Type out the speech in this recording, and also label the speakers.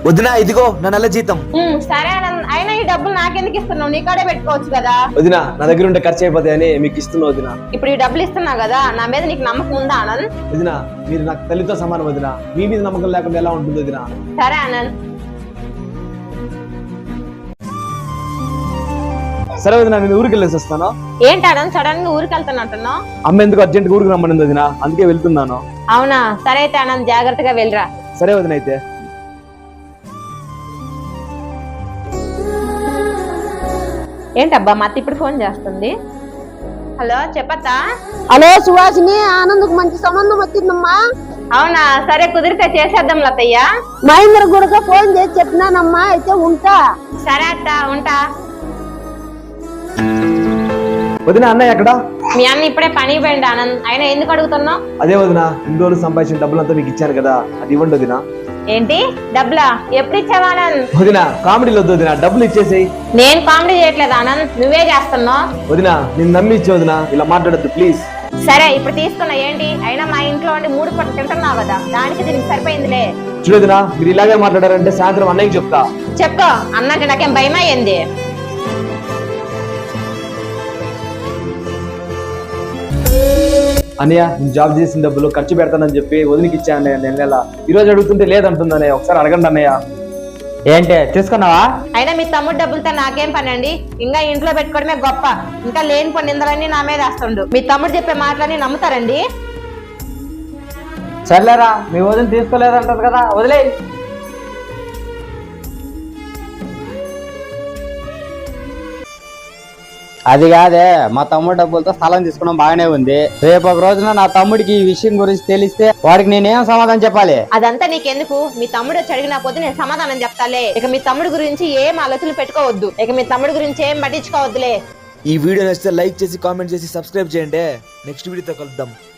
Speaker 1: వదినా ఇదిగో నా నెల జీతం.
Speaker 2: సరే ఆనంద్, అయినా ఈ డబ్బులు నాకెందుకు ఇస్తున్నావు? నీ కాడే పెట్టుకోవచ్చు కదా.
Speaker 1: వదినా నా దగ్గర ఉంటే ఖర్చు అయిపోతాయని మీకు ఇస్తున్నా వదినా.
Speaker 2: ఇప్పుడు ఈ డబ్బులు ఇస్తున్నావు కదా, నా మీద నీకు నమ్మకం ఉందా ఆనంద్?
Speaker 1: వదినా మీరు నాకు తల్లితో సమానం వదినా, మీ మీద నమ్మకం లేకుండా ఎలా ఉంటుంది వదినా?
Speaker 2: సరే ఆనంద్.
Speaker 1: సరే వదినా నేను ఊరికి వెళ్ళేసి వస్తాను.
Speaker 2: ఏంటి ఆనంద్ సడన్ గా ఊరికి వెళ్తున్నట్టున్నావు?
Speaker 1: అమ్మ ఎందుకు అర్జెంట్ ఊరికి రమ్మనింది వదినా, అందుకే వెళ్తున్నాను.
Speaker 2: అవునా, సరే అయితే ఆనంద్ జాగ్రత్తగా వెళ్ళరా.
Speaker 1: సరే వదిన అయితే.
Speaker 2: ఏంటబ్బా మా అత్త ఇప్పుడు ఫోన్ చేస్తుంది. హలో చెప్పత్తా.
Speaker 3: హలో సుహాసిని, ఆనంద్కు మంచి సంబంధం వచ్చిందమ్మా.
Speaker 2: అవునా, సరే కుదిరితే చేసేద్దాం లతయ్య.
Speaker 3: మహేంద్ర కూడా ఫోన్ చేసి చెప్పినానమ్మా, అయితే ఉంటా.
Speaker 2: సరే అత్త, ఉంటా.
Speaker 1: వదిన అన్నయ్య ఎక్కడ?
Speaker 2: మీ అన్న ఇప్పుడే పనికి పోయిండు ఆనంద్. ఆయన ఎందుకు అడుగుతున్నావు?
Speaker 1: అదే వదిన, ఇన్ని రోజులు సంపాదించిన డబ్బులంతా మీకు ఇచ్చాను కదా, అది ఇవ్వండి వదిన.
Speaker 2: ఏంటి డబ్బులా? ఎప్పుడు ఇచ్చావా ఆనంద్?
Speaker 1: వదిన కామెడీలో వద్దు వదిన, డబ్బులు ఇచ్చేసేయి.
Speaker 2: నేను కామెడీ చేయట్లేదు ఆనంద్, నువ్వే చేస్తున్నావు.
Speaker 1: వదిన నేను నమ్మి ఇచ్చే వదిన, ఇలా మాట్లాడద్దు ప్లీజ్.
Speaker 2: సరే ఇప్పుడు తీసుకున్నా. ఏంటి అయినా మా ఇంట్లో ఉండి 3 పూటలు తింటున్నావు కదా, దానికి దీనికి సరిపోయిందిలే.
Speaker 1: చూడదిన మీరు ఇలాగే మాట్లాడారంటే సాయంత్రం అన్నయ్యకి చెప్తా.
Speaker 2: చెప్పు, అన్నకి నాకేం భయమా ఏంది?
Speaker 1: అన్నయ్య నేను జాబ్ చేసిన డబ్బులు ఖర్చు పెడతానని చెప్పి వదిలికి ఇచ్చాను అన్నయ్య. నేను నెల ఈ రోజు అడుగుతుంటే లేదంటుంది అన్నయ్య, ఒకసారి అడగండి అన్నయ్య.
Speaker 4: ఏంటి తీసుకున్నావా?
Speaker 2: అయినా మీ తమ్ముడు డబ్బులతో నాకేం పని అండి? ఇంకా ఇంట్లో పెట్టుకోవడమే గొప్ప. ఇంకా లేని పని నిందలన్నీ నా మీద వేస్తుండు. మీ తమ్ముడు చెప్పే మాటలన్నీ నమ్ముతారండి?
Speaker 4: సర్లేరా, మీ వదిన తీసుకోలేదంటారు కదా, వదిలే. అది కాదే, మా తమ్ముడు డబ్బులతో స్థలం తీసుకోవడం బాగానే ఉంది. రేపు ఒక రోజున నా తమ్ముడికి ఈ విషయం గురించి తెలిస్తే వాడికి నేనేం సమాధానం చెప్పాలి?
Speaker 2: అదంతా నీకెందుకు? మీ తమ్ముడు వచ్చి అడిగినా పోతే నేను సమాధానం చెప్తాలే. ఇక మీ తమ్ముడు గురించి ఏం ఆలోచనలు పెట్టుకోవద్దు. ఇక మీ తమ్ముడు గురించి ఏం పట్టించుకోవద్దులే.
Speaker 1: ఈ వీడియో నచ్చితే లైక్ చేసి కామెంట్ చేసి సబ్స్క్రైబ్ చేయండి. నెక్స్ట్ వీడియోతో కలుద్దాం.